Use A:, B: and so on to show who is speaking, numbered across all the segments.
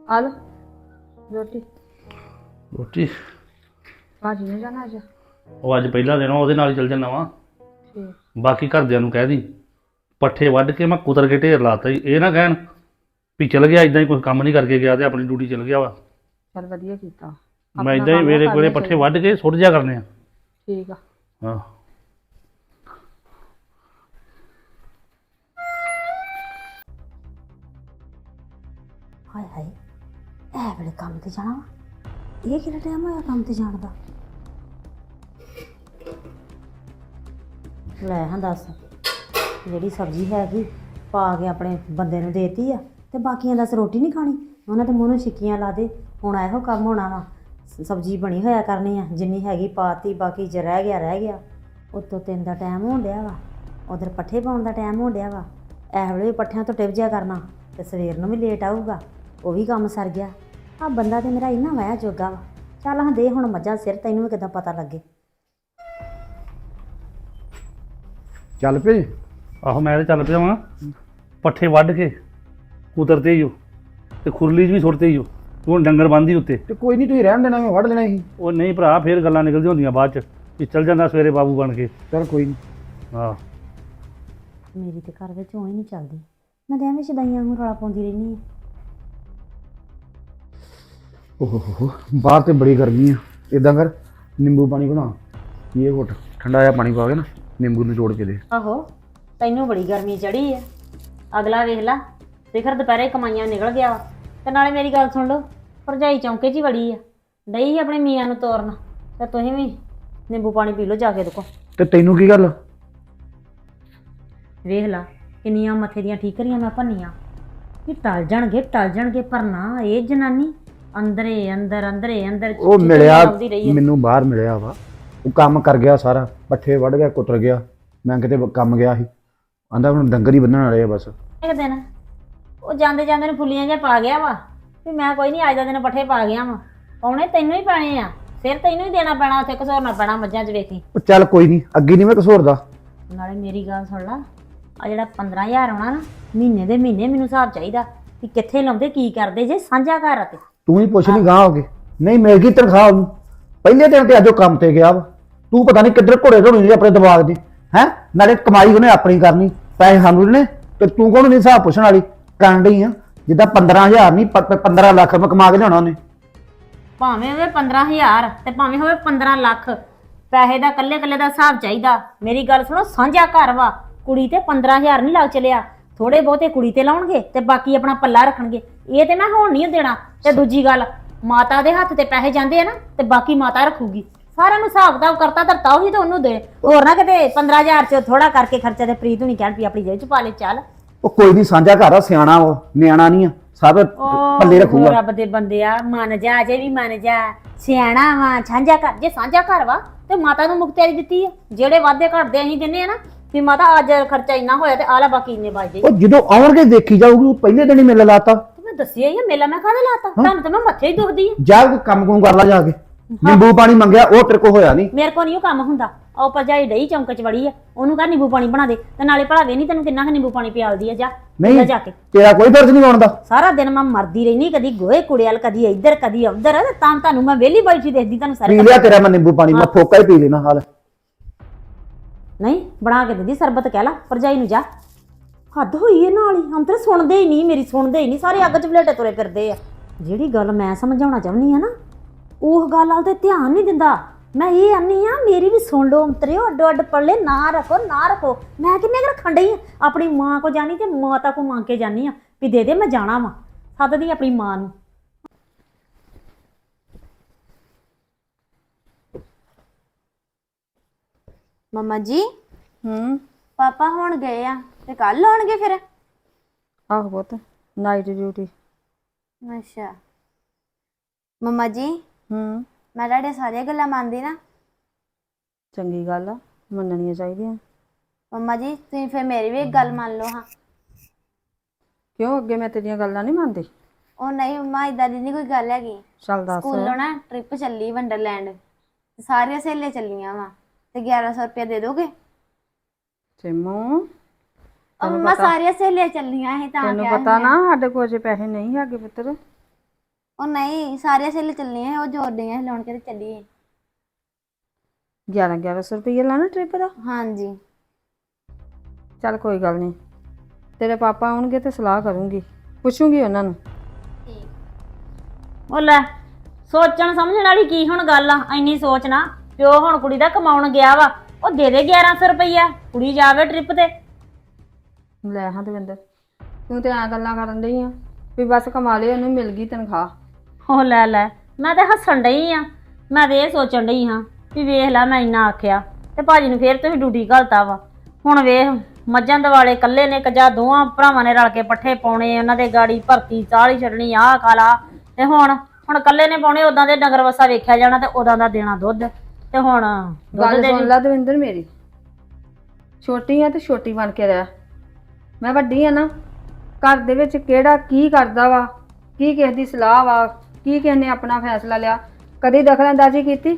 A: आ लो रोटी।
B: ਰੋਟੀ
A: भाजी नहीं जाना आज?
B: ਉਹ ਅੱਜ ਪਹਿਲਾ ਦਿਨ ਆ, ਉਹਦੇ ਨਾਲ ਹੀ ਚੱਲ ਜਾਣਾ ਵਾ।
A: ठीक।
B: ਬਾਕੀ ਘਰਦਿਆਂ ਨੂੰ ਕਹਿ ਦੀ ਪੱਠੇ ਵੱਢ ਕੇ ਮੈਂ ਕੁਤਰ ਕੇ ਢੇਰ ਲਾਤਾ ਜੀ, ਇਹ ਨਾ ਕਹਿਣ ਵੀ ਚਲ ਗਿਆ ਇਦਾਂ ਹੀ ਕੋਈ ਕੰਮ ਨਹੀਂ ਕਰਕੇ ਗਿਆ ਤੇ ਆਪਣੀ ਡਿਊਟੀ ਚਲ ਗਿਆ ਵਾ।
A: चल वधिया कीता।
B: ਮੈਂ
A: अपना
B: ਇਦਾਂ ਹੀ
A: काम
B: ਵੇਲੇ
A: करना
B: ਕੋਲੇ ਪੱਠੇ
A: चाहिए।
B: ਵੱਢ ਕੇ ਸੁੱਟ ਜਾ ਕਰਨੇ ਆ।
A: ठीक आ।
B: ਹਾਂ
C: ਹਾਏ ਹਾਏ ਇਹ ਵੇਲੇ ਕੰਮ ਤੇ ਜਾਣਾ ਵਾ। ਇਹ ਕਿਹੜਾ ਟਾਈਮ ਹੋਇਆ ਕੰਮ ਤੇ ਜਾਣ ਦਾ? ਲੈ ਹਾਂ ਦੱਸ, ਜਿਹੜੀ ਸਬਜ਼ੀ ਹੈਗੀ ਪਾ ਕੇ ਆਪਣੇ ਬੰਦੇ ਨੂੰ ਦੇਤੀ ਆ ਤੇ ਬਾਕੀਆਂ ਦੱਸ ਰੋਟੀ ਨਹੀਂ ਖਾਣੀ? ਉਹਨਾਂ ਦੇ ਮੂੰਹ ਨੂੰ ਛਿੱਕੀਆਂ ਲਾ ਦੇ। ਹੁਣ ਇਹੋ ਕੰਮ ਹੋਣਾ ਵਾ, ਸਬਜ਼ੀ ਬਣੀ ਹੋਇਆ ਕਰਨੀ ਆ, ਜਿੰਨੀ ਹੈਗੀ ਪਾਤੀ, ਬਾਕੀ ਜੇ ਰਹਿ ਗਿਆ। ਉੱਤੋਂ 3 ਦਾ ਟਾਈਮ ਹੋਣ ਡਿਆ ਵਾ, ਉਧਰ ਪੱਠੇ ਪਾਉਣ ਦਾ ਟਾਈਮ ਹੋਣ ਡਿਆ ਵਾ। ਇਹ ਵੇਲੇ ਵੀ ਪੱਠਿਆਂ ਤੋਂ ਟਿਪ ਜਿਆ ਕਰਨਾ ਤੇ ਸਵੇਰ ਨੂੰ ਵੀ ਲੇਟ ਆਊਗਾ, ਉਹ ਵੀ ਕੰਮ ਸਰ ਗਿਆ। ਆ ਬੰਦਾ ਤੇ ਮੇਰਾ ਇੰਨਾ ਵਾਇਆ ਜੋਗਾ ਵਾ। ਚੱਲ ਹਾਂ ਦੇ ਹੁਣ ਮੱਝਾਂ ਸਿਰ, ਤੈਨੂੰ ਵੀ ਕਿੱਦਾਂ ਪਤਾ ਲੱਗੇ।
D: ਚੱਲ ਪਏ?
B: ਆਹੋ ਮੈਂ ਤੇ ਚੱਲ ਪਿਆ ਵਾਂ। ਪੱਠੇ ਵੱਢ ਕੇ ਕੁਤਰਤੇ ਹੀ ਹੋ ਤੇ ਖੁਰਲੀ 'ਚ ਵੀ ਸੁੱਟਤੇ ਹੀ ਹੋ। ਤੂੰ ਹੁਣ ਡੰਗਰ ਬੰਨ੍ਹਦੀ ਉੱਤੇ।
D: ਤੇ ਕੋਈ ਨਹੀਂ, ਤੁਸੀਂ ਰਹਿਣ ਦੇਣਾ, ਮੈਂ ਵੜ ਲੈਣਾ ਸੀ।
B: ਉਹ ਨਹੀਂ ਭਰਾ, ਫੇਰ ਗੱਲਾਂ ਨਿਕਲਦੀਆਂ ਹੁੰਦੀਆਂ ਬਾਅਦ 'ਚ ਵੀ ਚੱਲ ਜਾਂਦਾ ਸਵੇਰੇ ਬਾਬੂ ਬਣ ਕੇ।
D: ਚੱਲ ਕੋਈ ਨਹੀਂ।
B: ਹਾਂ
C: ਮੇਰੀ ਤੇ ਘਰ ਵਿੱਚ ਹੋਈ ਨਹੀਂ ਚੱਲਦੀ, ਮੈਂ ਤਾਂ ਐਵੇਂ ਸ਼ਦਾਈਆਂ ਨੂੰ ਰੌਲਾ ਪਾਉਂਦੀ ਰਹਿੰਦੀ ਹਾਂ।
D: ਓਹੋ ਬਾਹਰ ਤੇ ਬੜੀ ਗਰਮੀ ਆ। ਇਦਾਂ ਕਰ, ਨਿੰਬੂ ਪਾਣੀ ਬਣਾ, ਇਹ ਘੁੱਟ ਠੰਡਾ ਜਿਹਾ ਪਾਣੀ ਪਾ ਕੇ ਨਾ ਨਿੰਬੂ ਨਿਚੋੜ ਕੇ ਦੇ।
C: ਆਹੋ ਤੈਨੂੰ ਬੜੀ ਗਰਮੀ ਚੜੀ ਆ। ਅਗਲਾ ਵੇਖ ਲਾ, ਸਿਖਰ ਦੁਪਹਿਰੇ ਕਮਾਈਆਂ ਨਿਕਲ ਗਿਆ ਵਾ। ਤੇ ਨਾਲੇ ਮੇਰੀ ਗੱਲ ਸੁਣ ਲਓ, ਭਰਜਾਈ ਚੌਂਕੇ 'ਚ ਹੀ ਵੜੀ ਆ, ਡਈ ਆਪਣੇ ਮੀਆਂ ਨੂੰ ਤੋਰਨ। ਤੇ ਤੁਸੀਂ ਵੀ ਨਿੰਬੂ ਪਾਣੀ ਪੀ ਲਓ ਜਾ ਕੇ ਦੇਖੋ।
D: ਤੇ ਤੈਨੂੰ ਕੀ ਗੱਲ?
C: ਵੇਖ ਲਾ ਕਿੰਨੀਆਂ ਮੱਥੇ ਦੀਆਂ ਠੀਕਰੀਆਂ ਮੈਂ ਭੰਨੀਆਂ ਕਿ ਟਲ ਜਾਣਗੇ, ਪਰ ਨਾ ਇਹ ਜਨਾਨੀ ਅੰਦਰੇ ਅੰਦਰ
D: ਉਹ ਮਿਲਿਆ ਮੈਨੂੰ, ਬਾਹਰ ਮਿਲਿਆ ਵਾ। ਉਹ ਕੰਮ ਕਰ ਗਿਆ ਸਾਰਾ, ਪੱਠੇ ਵੱਢ ਗਿਆ, ਕੁਤਰ ਗਿਆ। ਮੈਂ ਕਿਤੇ ਕੰਮ ਗਿਆ ਸੀ, ਆਂਦਾ ਹੁਣ ਡੰਗਰ ਹੀ ਬੰਨਣ ਵਾਲੇ ਆ ਬਸ।
C: ਇੱਕ ਦਿਨ ਉਹ ਜਾਂਦੇ ਨੂੰ ਫੁੱਲੀਆਂ ਜਿਹਾ ਪਾ ਗਿਆ ਵਾ ਵੀ ਮੈਂ ਕੋਈ ਨਹੀਂ, ਅੱਜ ਦਾ ਦਿਨ ਪੱਠੇ ਪਾ ਗਿਆ ਵਾ। ਪਾਉਣੇ ਤੈਨੂੰ ਹੀ ਪਾਣੇ ਆ, ਸਿਰ ਤੈਨੂੰ ਹੀ ਦੇਣਾ ਪੈਣਾ, ਉੱਥੇ ਘਸੋਰਨਾ ਪੈਣਾ ਮੱਝਾਂ 'ਚ। ਵੇਖੀ
D: ਉਹ ਚੱਲ ਕੋਈ ਨਹੀਂ, ਅੱਗੇ ਨਹੀਂ ਮੈਂ ਕਸੂਰਦਾ।
C: ਨਾਲੇ ਮੇਰੀ ਗੱਲ ਸੁਣ ਲਾ, ਆ ਜਿਹੜਾ 15,000 ਆਉਣਾ ਨਾ ਮਹੀਨੇ ਦੇ ਮਹੀਨੇ, ਮੈਨੂੰ ਹਿਸਾਬ ਚਾਹੀਦਾ ਕਿ ਕਿੱਥੇ ਲਾਉਂਦੇ, ਕੀ ਕਰਦੇ ਜੇ ਸਾਂਝਾ ਘਰ। ਅਤੇ
D: ਤੂੰ ਹੀ ਪੁੱਛ ਨਹੀਂ ਗਾਂ ਹੋ ਗਏ, ਨਹੀਂ ਮਿਲ ਗਈ ਤਨਖਾਹ ਉਹਨੂੰ ਪਹਿਲੇ ਦਿਨ ਤੇ। ਅੱਜ ਉਹ ਕੰਮ ਤੇ ਗਿਆ ਵਾ, ਤੂੰ ਪਤਾ ਨਹੀਂ ਕਿੱਧਰ ਘੋੜੇ ਢੋਣੀ ਦੇ ਆਪਣੇ ਦਿਮਾਗ ਦੇ। ਹੈ ਨਾਲੇ ਕਮਾਈ ਉਹਨੇ ਆਪਣੀ ਕਰਨੀ, ਪੈਸੇ ਸਾਨੂੰ ਨੇ, ਤੇ ਤੂੰ ਕੋਣ ਨਹੀਂ ਹਿਸਾਬ ਪੁੱਛਣ ਵਾਲੀ? ਕਰਨ ਡਈ ਆ ਜਿੱਦਾਂ 15,000 ਨਹੀਂ 15 ਲੱਖ ਰੁਪਏ ਕਮਾ ਕੇ ਲਿਆਉਣਾ ਉਹਨੇ।
C: ਭਾਵੇਂ ਹੋਵੇ 15,000 ਤੇ ਭਾਵੇਂ ਹੋਵੇ 15 ਲੱਖ, ਪੈਸੇ ਦਾ ਕੱਲੇ ਦਾ ਹਿਸਾਬ ਚਾਹੀਦਾ। ਮੇਰੀ ਗੱਲ ਸੁਣੋ, ਸਾਂਝਾ ਘਰ ਵਾ, ਕੁੜੀ ਤੇ 15,000 ਨਹੀਂ ਲੱਗ ਚਲਿਆ। ਥੋੜੇ ਬਹੁਤੇ ਕੁੜੀ ਤੇ ਲਾਉਣਗੇ ਤੇ ਬਾਕੀ ਆਪਣਾ ਪੱਲਾ ਰੱਖਣਗੇ। ਇਹ ਤੇ ਮੈਂ ਹੋਣ ਨਹੀਂ ਦੇਣਾ। ਤੇ ਦੂਜੀ ਗੱਲ, ਮਾਤਾ ਦੇ ਹੱਥ ਤੇ ਪੈਸੇ ਜਾਂਦੇ ਆ ਨਾ, ਤੇ ਬਾਕੀ ਮਾਤਾ ਰੱਖੂਗੀ। ਸਾਰਿਆਂ ਨੂੰ ਹਿਸਾਬ ਕਿਤਾਬ ਕਰਤਾ ਧਰਤਾ ਉਹੀ ਤਾਂ ਉਹਨੂੰ ਦੇ। ਹੋਰ ਨਾ ਕਿਤੇ 15,000 ਚ ਥੋੜਾ ਕਰਕੇ ਖਰਚਾ ਤੇ ਪ੍ਰੀਤ ਹੁਣੀ ਕਹਿਣ ਵੀ ਆਪਣੀ ਜੇਬ ਚ ਪਾ ਲੈ। ਚੱਲ
D: ਉਹ ਕੋਈ ਨਹੀਂ, ਸਾਂਝਾ ਘਰ ਆ, ਸਿਆਣਾ ਉਹ, ਨਿਆਣਾ ਨਹੀਂ ਆ, ਸਭ ਪੱਲੇ ਰੱਖੂਗਾ।
C: ਰੱਬ ਦੇ ਬੰਦੇ ਆ, ਮੰਨ ਜਾ, ਅਜੇ ਵੀ ਮੰਨ ਜਾ, ਸਿਆਣਾ ਵਾ। ਸਾਂਝਾ ਘਰ, ਜੇ ਸਾਂਝਾ ਘਰ ਵਾ ਤੇ ਮਾਤਾ ਨੂੰ ਮੁਖਤਿਆਰੀ ਦਿੱਤੀ ਆ। ਜਿਹੜੇ ਵਾਅਦੇ ਘਟਦੇ ਅਸੀਂ ਦਿੰਨੇ ਆ ਨਾ ਵੀ ਮਾਤਾ ਅੱਜ ਖਰਚਾ ਇੰਨਾ ਹੋਇਆ ਤੇ ਆਲਾ ਬਾਕੀ ਇੰਨੇ ਬਚਦੇ।
D: ਉਹ ਜਦੋਂ ਆਉਣਗੇ ਦੇਖੀ ਜਾਊਗੀ, ਉਹ ਪਹਿਲੇ ਦਿਨ ਹੀ ਮੇਲਾ ਲਾਤਾ।
C: ਮੈਂ ਦੱਸਿਆ ਹੀ ਆ, ਮੇਲਾ ਮੈਂ ਕਾਹਦੇ ਲਾਤਾ? ਤੁਹਾਨੂੰ ਤਾਂ ਮੈਂ ਮੱਥੇ ਹੀ ਦੁਖਦੀ ਆ।
D: ਜਾ ਕੇ ਕੰਮ ਕੁਮ ਕਰ ਲਾ ਜਾ ਕੇ। ਨਿੰਬੂ ਪਾਣੀ ਮੰਗਿਆ, ਉਹ ਤੇਰੇ ਕੋ ਹੋਇਆ ਨਹੀਂ।
C: ਮੇਰੇ ਕੋਲ ਨਹੀਂ ਉਹ ਕੰਮ ਹੁੰਦਾ। ਉਹ ਭਰਜਾਈ ਡਈ ਚੌਂਕ ਚ ਵੜੀ ਆ, ਉਹਨੂੰ ਕਹ ਨਿੰਬੂ ਪਾਣੀ ਬਣਾ ਦੇ। ਤੇ ਨਾਲੇ ਭਲਾਵੇ ਨਹੀਂ ਤੈਨੂੰ ਕਿੰਨਾ ਕੁ ਨਿੰਬੂ ਪਾਣੀ ਪਿਆਲਦੀ ਆ। ਜਾ
D: ਨਹੀਂ
C: ਜਾ ਕੇ।
D: ਤੇਰਾ ਕੋਈ ਫਰਜ਼ ਨਹੀਂ ਆਉਣ ਦਾ।
C: ਸਾਰਾ ਦਿਨ ਮੈਂ ਮਰਦੀ ਰਹਿਨੀ, ਕਦੀ ਗੋਹੇ ਕੁੜਿਆਲ, ਕਦੀ ਇੱਧਰ ਕਦੀ ਉੱਧਰ। ਤਾਂ ਤੁਹਾਨੂੰ ਮੈਂ ਵਿਹਲੀ ਬੈਠੀ ਦੇਖਦੀ ਤੁਹਾਨੂੰ ਸਾਰੇ।
D: ਪੀ ਲਿਆ ਤੇਰਾ ਮੈਂ ਨਿੰਬੂ ਪਾਣੀ, ਮੈਂ ਫੋਕਾ ਹੀ ਪੀ ਲੈਣਾ। ਹਾਲ
C: ਨਹੀਂ ਬਣਾ ਕੇ ਦਿੰਦੀ ਸਰਬਤ, ਕਹਿ ਲਾ ਭਰਜਾਈ ਨੂੰ। ਜਾ, ਹੱਦ ਹੋਈ ਹੈ ਨਾਲ ਹੀ। ਹਮ ਤੇ ਸੁਣਦੇ ਹੀ ਨਹੀਂ, ਮੇਰੀ ਸੁਣਦੇ ਹੀ ਨਹੀਂ, ਸਾਰੇ ਅੱਗ ਚ ਵਲੇਟੇ ਤੁਰੇ ਫਿਰਦੇ ਆ। ਜਿਹੜੀ ਗੱਲ ਮੈਂ ਸਮਝਾਉਣਾ ਚਾਹੁੰਦੀ ਆ ਨਾ, ਉਹ ਗੱਲ ਵਾਲ ਤੇ ਧਿਆਨ ਨਹੀਂ ਦਿੰਦਾ। ਮੈਂ ਇਹ ਆਨੀ ਆ, ਮੇਰੀ ਵੀ ਸੁਣ ਲਓ ਅੰਤਰਿਓ। ਅੱਡੋ ਅੱਡ ਪੱਲੇ ਨਾ ਰੱਖੋ। ਮੈਂ ਕਿੰਨੇ ਕੁ ਰੱਖਣ ਡਈ ਆ? ਆਪਣੀ ਮਾਂ ਕੋ ਜਾਣੀ ਤੇ ਮਾਤਾ ਕੋ ਮੰਗ ਕੇ ਜਾਨੀ ਆ ਵੀ ਦੇ ਦੇ, ਮੈਂ ਜਾਣਾ ਵਾ। ਸੱਦਦੀ ਆਪਣੀ ਮਾਂ ਨੂੰ।
E: ਮੰਮਾ ਜੀ ਪਾਪਾ ਹੁਣ ਗਏ ਆ ਤੇ ਕੱਲ ਆਉਣਗੇ ਫਿਰ?
A: आहो पुत नाइट ड्यूटी।
E: ਅੱਛਾ ਮੰਮਾ ਜੀ, ਮੈਂ ਤੁਹਾਡੇ ਸਾਰੀਆਂ ਗੱਲਾਂ ਮੰਨਦੀ ਨਾ?
A: चंगी गल आ, मननियां चाहिदियां।
E: ਮੰਮਾ ਜੀ ਤੁਸੀਂ ਫਿਰ ਮੇਰੀ ਵੀ ਇੱਕ ਗੱਲ ਮੰਨ ਲਓ ਹਾਂ।
A: क्यों अगे मैं तेरियां गल्लां नहीं मानदी?
E: ਉਹ ਨਹੀਂ ਮੰਮਾ, ਇਦਾਂ ਦੀ ਨਹੀਂ ਕੋਈ ਗੱਲ ਹੈਗੀ।
A: चल दस।
E: ਸਕੂਲੋਂ ਨਾ ਟ੍ਰਿਪ ਚੱਲੀ ਵੰਡਰਲੈਂਡ, ਸਾਰੀਆਂ ਸਹੇਲੀਆਂ ਚੱਲੀਆਂ ਵਾ, ਤੇ 1100 ਰੁਪਇਆ ਦੇ ਦੋਗੇ?
A: सिमू
E: ਉਹ ਮੰਮਾ ਸਾਰੀਆਂ ਸਹੇਲੀਆਂ ਚੱਲੀਆਂ ਸੀ ਤਾਂ
A: तेनू
E: ਕਿਹਾ
A: पता
E: ਸੀ
A: ना साडे कोल जे पैसे नहीं हैगे पुत्तर।
E: ਉਹ ਨਹੀਂ ਸਾਰੀਆਂ ਸਹੇਲੀ ਚੱਲੀਆਂ ਸੀ, ਉਹ ਜੋੜ ਡਈਆਂ ਸੀ ਲਾਉਣ ਕੇ ਤੇ ਚੱਲੀਏ।
A: 1100 ਰੁਪਏ ਲਾਣਾ ਟ੍ਰਿਪ ਦਾ?
E: ਹਾਂਜੀ
A: ਚੱਲ ਕੋਈ ਗੱਲ ਨਹੀਂ, ਤੇਰੇ ਪਾਪਾ ਆਉਣਗੇ ਤੇ ਸਲਾਹ ਕਰੂੰਗੀ, ਪੁੱਛੂੰਗੀ ਉਹਨਾਂ ਨੂੰ।
C: ਉਹ ਲੈ ਸੋਚਣ ਸਮਝਣ ਵਾਲੀ ਕੀ ਹੁਣ ਗੱਲ ਆ, ਇੰਨੀ ਸੋਚ ਨਾ। ਪਿਓ ਹੁਣ ਕੁੜੀ ਦਾ ਕਮਾਉਣ ਗਿਆ ਵਾ, ਉਹ ਦੇ ਦੇ 1100 ਰੁਪਈਆ, ਕੁੜੀ ਜਾਵੇ ਟ੍ਰਿਪ ਤੇ।
A: ਲੈ ਹਾਂ ਦਵਿੰਦਰ, ਤੂੰ ਤੇ ਐਂ ਗੱਲਾਂ ਕਰਨ ਡਈ ਆ ਵੀ ਬਸ ਕਮਾ ਲਿਆ, ਉਹਨੂੰ ਮਿਲ ਗਈ ਤਨਖਾਹ।
C: ਉਹ ਲੈ ਲੈ, ਮੈਂ ਤੇ ਹੱਸਣ ਡਈ ਆ, ਮੈਂ ਤੇ ਇਹ ਸੋਚਣ ਡਈ ਹਾਂ ਵੀ ਵੇਖ ਲੈ ਮੈਂ ਇੰਨਾ ਆਖਿਆ ਤੇ ਭਾਜੀ ਨੂੰ ਫੇਰ ਤੁਸੀਂ ਡਿਊਟੀ ਘਲਤਾ ਵਾ। ਹੁਣ ਵੇਖ ਮੱਝਾਂ ਦਿਵਾਲੇ ਕੱਲੇ ਨੇ ਕਜਾ ਦੋਵਾਂ ਭਰਾਵਾਂ ਨੇ ਰਲ ਕੇ ਪੱਠੇ ਪਾਉਣੇ, ਉਹਨਾਂ ਦੇ ਗਾੜੀ ਭਰਤੀ ਚਾਹ ਹੀ ਛੱਡਣੀ, ਆਹ ਖਾਲਾ। ਤੇ ਹੁਣ ਕੱਲੇ ਨੇ ਪਾਉਣੇ, ਉਦਾਂ ਦੇ ਨਗਰ ਵਸਾ ਵੇਖਿਆ ਜਾਣਾ ਤੇ ਉਦਾਂ ਦਾ ਦੇਣਾ ਦੁੱਧ। ਤੇ ਹੁਣ
A: ਗੱਲ ਸੁਣ ਲੈ ਦਵਿੰਦਰ ਮੇਰੀ, ਛੋਟੀ ਆ ਤੇ ਛੋਟੀ ਬਣ ਕੇ ਰਹਿ। ਮੈਂ ਵੱਡੀ ਆ ਨਾ, ਘਰ ਦੇ ਵਿੱਚ ਕਿਹੜਾ ਕੀ ਕਰਦਾ ਵਾ, ਕੀ ਕਿਸੇ ਦੀ ਸਲਾਹ ਵਾ, ਕੀ ਕਿਸੇ ਨੇ ਆਪਣਾ ਫੈਸਲਾ ਲਿਆ, ਕਦੀ ਦਖਲਅੰਦਾਜ਼ੀ ਕੀਤੀ?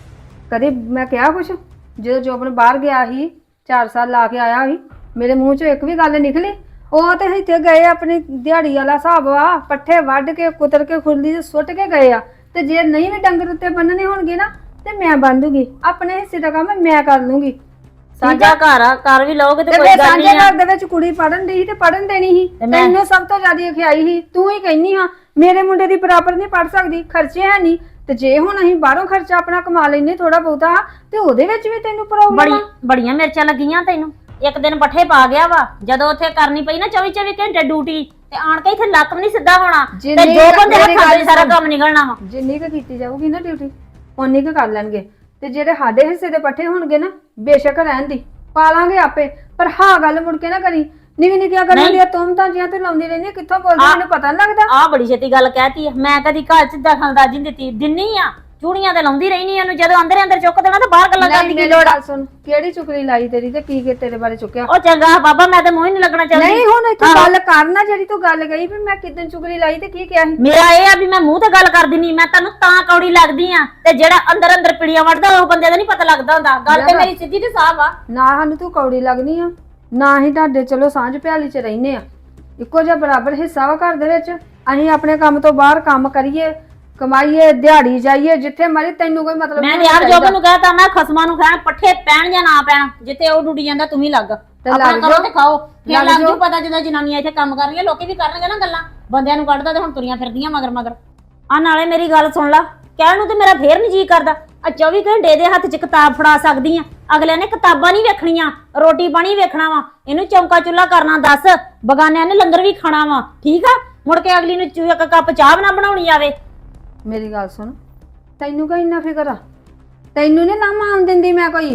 A: ਕਦੀ ਮੈਂ ਕਿਹਾ ਕੁਛ? ਜਦੋਂ ਜੋਬਨ ਬਾਹਰ ਗਿਆ ਸੀ 4 ਸਾਲ ਲਾ ਕੇ ਆਇਆ ਸੀ, ਮੇਰੇ ਮੂੰਹ 'ਚੋਂ ਇੱਕ ਵੀ ਗੱਲ ਨਿਕਲੀ? ਉਹ ਤੇ ਇੱਥੇ ਗਏ ਆਪਣੀ ਦਿਹਾੜੀ ਵਾਲਾ ਹਿਸਾਬ ਆ, ਪੱਠੇ ਵੱਢ ਕੇ ਕੁਤਰ ਕੇ ਖੁਰਲੀ 'ਚ ਸੁੱਟ ਕੇ ਗਏ ਆ। ਤੇ ਜੇ ਨਹੀਂ ਵੀ ਡੰਗਰ ਉੱਤੇ ਬੰਨਣੇ ਹੋਣਗੇ ਨਾ ਤੇ ਮੈਂ ਬੰਨ ਦੂੰਗੀ, ਆਪਣੇ ਹਿੱਸੇ ਦਾ ਕੰਮ ਮੈਂ ਕਰ ਲੂੰਗੀ।
C: ਸਾਂਝਾ ਘਰ ਆ, ਕਰ ਵੀ ਲਓਗੇ ਤੇ ਕੋਈ ਗੱਲ
A: ਸਾਂਝੇ
C: ਨਹੀਂ ਆ।
A: ਘਰ ਦੇ ਵਿੱਚ ਕੁੜੀ ਪੜਨ ਦੀ ਸੀ ਤੇ ਪੜਨ ਦੇਣੀ ਸੀ, ਤੈਨੂੰ ਸਭ ਤੋਂ ਜ਼ਿਆਦਾ ਖਿਆਈ ਸੀ। ਤੂੰ ਹੀ ਕਹਿੰਦੀ ਹਾਂ ਮੇਰੇ ਮੁੰਡੇ ਦੀ ਬਰਾਬਰ ਨਹੀਂ ਪੜ ਸਕਦੀ, ਖਰਚੇ ਹੈ ਨਹੀਂ। ਤੇ ਜੇ ਹੁਣ ਅਸੀਂ ਬਾਹਰੋਂ ਖਰਚਾ ਆਪਣਾ ਕਮਾ ਲੈਨੇ ਥੋੜਾ ਬਹੁਤਾ, ਤੇ ਉਹਦੇ ਵਿੱਚ ਵੀ ਤੈਨੂੰ ਪ੍ਰੋਬਲਮ ਆ।
C: ਬੜੀਆਂ ਮਿਰਚਾਂ ਲੱਗੀਆਂ ਤੈਨੂੰ। ਇੱਕ ਦਿਨ ਪੱਠੇ ਪਾ ਗਿਆ ਵਾ, ਜਦੋਂ ਉੱਥੇ ਕਰਨੀ ਪਈ ਨਾ 24 ਘੰਟੇ ਡਿਊਟੀ, ਤੇ ਆਣ ਕੇ ਇੱਥੇ ਲੱਕ ਵੀ ਨਹੀਂ ਸਿੱਧਾ ਹੋਣਾ, ਤੇ ਦੋ ਬੰਦੇ ਹੱਥਾਂ 'ਚ ਸਾਰਾ ਕੰਮ ਨਿਕਲਣਾ ਵਾ।
A: ਜਿੰਨੀ ਕੁ ਕੀਤੀ ਜਾਊਗੀ ਨਾ ਡਿਊਟੀ, ਉਨੀ ਕੁ ਕਰ ਲੈਣਗੇ। ਤੇ ਜਿਹੜੇ ਸਾਡੇ ਹਿੱਸੇ ਦੇ ਪੱਠੇ ਹੋਣਗੇ ਨਾ, ਬੇਸ਼ੱਕ ਰਹਿਣ ਦੀ, ਪਾ ਲਾਂਗੇ ਆਪੇ। ਪਰ ਹਾਂ ਗੱਲ ਮੁੜ ਕੇ ਨਾ ਕਰੀ, ਨਿੱਕੀ ਨਿੱਕੀਆਂ ਗੱਲਾਂ ਦੀਆਂ ਤੁਮ ਜਿਹਾਂ ਤੇ ਲਾਉਂਦੀ ਰਹਿੰਦੀ, ਕਿੱਥੋਂ ਬੋਲਦੀ ਮੈਨੂੰ ਪਤਾ ਨਹੀਂ ਲੱਗਦਾ।
C: ਆਹ ਬੜੀ ਛੇਤੀ ਗੱਲ ਕਹਿਤੀ ਆ, ਮੈਂ ਕਦੀ ਘਰ 'ਚ ਦਖਲਅੰਦਾਜ਼ੀ ਨਹੀਂ ਦਿੱਤੀ, ਦਿੰਨੀ ਆ ਚੂੜੀਆਂ ਤੇ ਲਾਉਂਦੀ ਰਹਿਣੀ ਉਹਨੂੰ, ਜਦੋਂ ਅੰਦਰ ਚੁੱਕ ਦੇਣਾ ਤੇ ਬਾਹਰ ਗੱਲਾਂ ਕਰਨ ਦੀ ਕੀ ਲੋੜ ਆ?
A: ਸੁਣ, ਕਿਹੜੀ ਚੁਕਲੀ ਲਾਈ ਤੇਰੀ ਤੇ ਕੀ ਤੇਰੇ ਬਾਰੇ ਚੁੱਕਿਆ?
C: ਉਹ ਚੰਗਾ ਬਾਬਾ, ਮੈਂ ਤੇ ਮੂੰਹ ਹੀ ਨਹੀਂ ਲੱਗਣਾ ਚਾਹੁੰਦੀ।
A: ਨਹੀਂ ਹੁਣ ਇੱਥੇ ਗੱਲ ਕਰਨਾ, ਜਿਹੜੀ ਤੂੰ ਗੱਲ ਕਹੀ ਵੀ ਮੈਂ ਕਿਦਾਂ ਚੁਗਲੀ ਲਾਈ ਤੇ ਕੀ ਕਿਹਾ ਸੀ?
C: ਮੇਰਾ ਇਹ ਆ ਵੀ ਮੈਂ ਮੂੰਹ ਤੇ ਗੱਲ ਕਰ ਦਿੰਨੀ, ਮੈਂ ਤੈਨੂੰ ਤਾਂ ਕੌੜੀ ਲੱਗਦੀ ਆ, ਤੇ ਜਿਹੜਾ ਅੰਦਰ ਪਿੜੀਆਂ ਵੜਦਾ ਉਹ ਬੰਦੇ ਦਾ ਨਹੀਂ ਪਤਾ ਲੱਗਦਾ ਹੁੰਦਾ। ਗੱਲ ਤੇ ਮੇਰੀ ਸਿੱਧੀ ਤੇ ਸਾਫ਼ ਆ।
A: ਨਾ ਸਾਨੂੰ ਤੂੰ ਕੌੜੀ ਲੱਗਦੀ ਆ, ਨਾ ਹੀ ਤੁਹਾਡੇ ਚਲੋ ਸਾਂਝ ਪਿਆਲੀ 'ਚ ਰਹਿੰਦੇ ਆ, ਇੱਕੋ ਜਿਹਾ ਬਰਾਬਰ ਹਿੱਸਾ ਵਾ ਘਰ ਦੇ ਵਿੱਚ। ਅਸੀਂ ਆਪਣੇ ਕੰਮ ਤੋਂ ਬਾਹਰ ਕੰਮ ਕਰੀਏ, ਕਮਾਈਏ, ਦਿਹਾੜੀ ਜਾਈਏ, ਜਿੱਥੇ ਮਰਜ਼ੀ, ਤੈਨੂੰ ਕੋਈ ਮਤਲਬ
C: ਮੈਂ ਯਾਰ ਜੋਬਨ ਨੂੰ ਕਹਤਾ, ਮੈਂ ਖਸਮਾਂ ਨੂੰ ਖਾਣ ਪੱਠੇ ਪੈਣ ਜਾਂ ਨਾ ਪੈਣ, ਜਿੱਥੇ ਉਹ ਡੁੱਟੀ ਜਾਂਦਾ ਤੂੰ ਵੀ ਲੱਗ, ਆਪਣਾ ਕਰੋ ਤੇ ਖਾਓ। ਫਿਰ ਲੱਗ ਜੂ ਪਤਾ ਜਦੋਂ ਜਨਾਨੀਆਂ ਇੱਥੇ ਕੰਮ ਕਰ ਰਹੀਆਂ, ਲੋਕੀ ਵੀ ਕਰਨਗੇ ਨਾ ਗੱਲਾਂ। ਬੰਦਿਆਂ ਨੂੰ ਕੱਢਦਾ ਤੇ ਹੁਣ ਤੁਰੀਆਂ ਫਿਰਦੀਆਂ ਮਗਰ। ਆ ਨਾਲੇ ਮੇਰੀ ਗੱਲ ਸੁਣ ਲਾ, ਕਹਿਣ ਨੂੰ ਤੇ ਮੇਰਾ ਫੇਰ ਨਹੀਂ ਜੀ ਕਰਦਾ, ਆ 24 ਘੰਟੇ ਦੇ ਹੱਥ 'ਚ ਕਿਤਾਬ ਫੜਾ ਸਕਦੀ ਆ। ਅਗਲਿਆਂ ਨੇ ਕਿਤਾਬਾਂ ਨਹੀਂ ਵੇਖਣੀਆਂ, ਰੋਟੀ ਪਾਣੀ ਵੇਖਣਾ ਵਾ। ਇਹਨੂੰ ਚੌਂਕਾ ਚੁੱਲਾ ਕਰਨਾ ਦੱਸ, ਬਗਾਨਿਆਂ ਨੇ ਲੰਗਰ ਵੀ ਖਾਣਾ ਵਾ, ਠੀਕ ਆ? ਮੁੜ ਕੇ ਅਗਲੀ ਨੂੰ ਇੱਕ ਕੱਪ ਚਾਹ ਨਾ ਬਣਾਉਣੀ ਆਵੇ।
A: ਮੇਰੀ ਗੱਲ ਸੁਣ, ਤੈਨੂੰ ਕਾ ਇੰਨਾ ਫਿਕਰ ਆ? ਤੈਨੂੰ ਨੀ ਨਾ ਮਾਨ ਦਿੰਦੀ ਮੈਂ ਕੋਈ?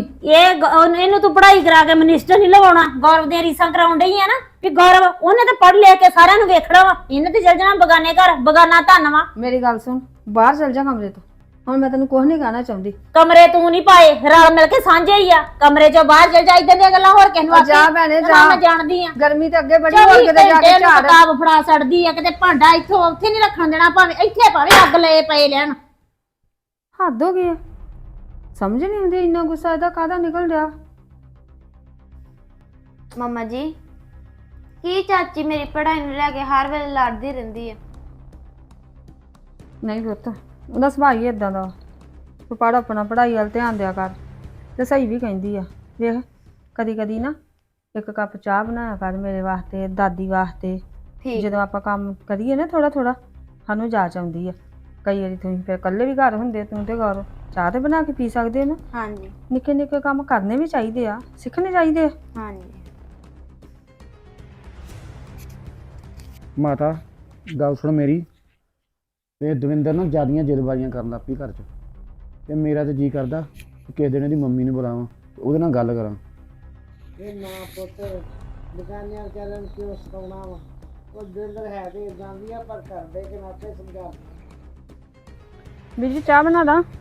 C: ਇਹਨੂੰ ਤੂੰ ਪੜ੍ਹਾਈ ਕਰਾ ਕੇ ਮਿਨਿਸਟਰ ਨਹੀਂ ਲਵਾਉਣਾ, ਗੌਰਵ ਦੀਆਂ ਰੀਸਾਂ ਕਰਾਉਣ ਡਈ ਆ ਨਾ, ਵੀ ਗੌਰਵ ਉਹਨੇ ਤੇ ਪੜ੍ਹ ਲਿਆ ਕੇ ਸਾਰਿਆਂ ਨੂੰ ਵੇਖਣਾ ਵਾ, ਇਹਨੇ ਤੇ ਚੱਲ ਜਾਣਾ ਬਗਾਨੇ ਘਰ, ਬਗਾਨਾ ਧੰਨ ਵਾ।
A: ਮੇਰੀ ਗੱਲ ਸੁਣ, ਬਾਹਰ ਚੱਲ ਜਾ ਕਮਰੇ ਤੋਂ, ਹੁਣ ਮੈਂ ਤੈਨੂੰ ਕੁਝ ਨਹੀਂ ਕਹਿਣਾ ਚਾਹੁੰਦੀ।
C: ਕਮਰੇ ਤੂੰ ਨਹੀਂ ਪਾਏ, ਰਲ ਮਿਲ ਕੇ ਸਾਂਝੇ ਹੀ ਆ, ਕਮਰੇ ਚੋਂ ਬਾਹਰ ਚੱਲ ਜਾ, ਇਦਾਂ ਦੀਆਂ ਗੱਲਾਂ ਹੋਰ ਕਿਸ ਨੂੰ
A: ਜਾ ਭੈਣੇ ਜਾ,
C: ਮੈਂ ਜਾਣਦੀ ਆ।
A: ਗਰਮੀ ਤੇ ਅੱਗੇ ਬੜੀ ਹੋ ਕਿਤੇ ਜਾ ਕੇ ਝਾੜ।
C: ਕਿਤਾਬ ਫੜਾ ਛੱਡਦੀ ਆ, ਕਿਤੇ ਭਾਂਡਾ ਇੱਥੋਂ ਉੱਥੇ ਨਹੀਂ ਰੱਖਣ ਦੇਣਾ, ਭਾਵੇਂ ਇੱਥੇ ਭਾਵੇਂ ਅੱਗ ਲਏ ਪਏ ਲੈਣ।
A: ਹੱਦ ਹੋ ਗਈ ਆ, ਸਮਝ ਨਹੀਂ ਆਉਂਦੀ ਇੰਨਾ ਗੁੱਸਾ ਇਹਦਾ ਕਾਹਦਾ ਨਿਕਲ ਰਿਹਾ।
E: ਮੰਮਾ ਜੀ, ਕੀ ਚਾਚੀ ਮੇਰੀ ਪੜ੍ਹਾਈ ਨੂੰ ਲੈ ਕੇ ਹਰ ਵੇਲੇ ਲੜਦੀ ਰਹਿੰਦੀ ਆ?
A: ਨਹੀਂ ਪੁੱਤ, ਉਹਦਾ ਸੁਭਾਅ ਹੀ ਇਦਾਂ ਦਾ। ਤੂੰ ਪੜ੍ਹ, ਆਪਣਾ ਪੜ੍ਹਾਈ ਵੱਲ ਧਿਆਨ ਦਿਆ ਕਰ। ਤੇ ਸਹੀ ਵੀ ਕਹਿੰਦੀ ਆ, ਵੇਖ ਕਦੀ ਕਦੀ ਨਾ ਇੱਕ ਕੱਪ ਚਾਹ ਬਣਾਇਆ ਕਰ ਮੇਰੇ ਵਾਸਤੇ, ਦਾਦੀ ਵਾਸਤੇ। ਜਦੋਂ ਆਪਾਂ ਕੰਮ ਕਰੀਏ ਨਾ ਥੋੜਾ ਥੋੜਾ, ਸਾਨੂੰ ਜਾਚ ਆਉਂਦੀ ਆ। ਕਈ ਵਾਰੀ ਤੁਸੀਂ ਫਿਰ ਇਕੱਲੇ ਵੀ ਘਰ ਹੁੰਦੇ, ਤੂੰ ਤੇ ਗੌਰਵ ਚਾਹ ਤੇ ਬਣਾ ਕੇ ਪੀ ਸਕਦੇ ਹੋ ਨਾ।
E: ਹਾਂਜੀ,
A: ਨਿੱਕੇ ਨਿੱਕੇ ਕੰਮ ਕਰਨੇ ਵੀ ਚਾਹੀਦੇ ਆ, ਸਿੱਖਣੇ ਚਾਹੀਦੇ ਆ।
E: ਹਾਂਜੀ।
D: ਮਾਤਾ ਗੱਲ ਸੁਣ ਮੇਰੀ, ਤੇ ਦਵਿੰਦਰ ਨਾ ਜ਼ਿਆਦੀਆਂ ਜਲਬਾਜ਼ੀਆਂ ਕਰਨ ਲੱਗ ਪਈ ਘਰ 'ਚ, ਤੇ ਮੇਰਾ ਤੇ ਜੀ ਕਰਦਾ ਕਿ ਕਿਸੇ ਦਿਨ ਇਹਦੀ ਮੰਮੀ ਨੂੰ ਬੁਲਾਵਾਂ, ਉਹਦੇ ਨਾਲ ਗੱਲ ਕਰਾਂ।
F: ਇਹ ਨਾ ਪੁੱਤ ਦੁਕਾਨੀਆਂ ਚੱਲਣ ਕਿਉਂ ਸਿਖਾਉਣਾ ਵਾ? ਉਹ ਦਵਿੰਦਰ ਹੈ ਤੇ ਇਦਾਂ ਦੀ ਆ, ਪਰ ਕਰਦੇ ਕਿ ਨਾਤੇ ਸਮਝਾ।
A: ਵੀਰ ਜੀ ਚਾਹ ਬਣਾ ਦਾਂ?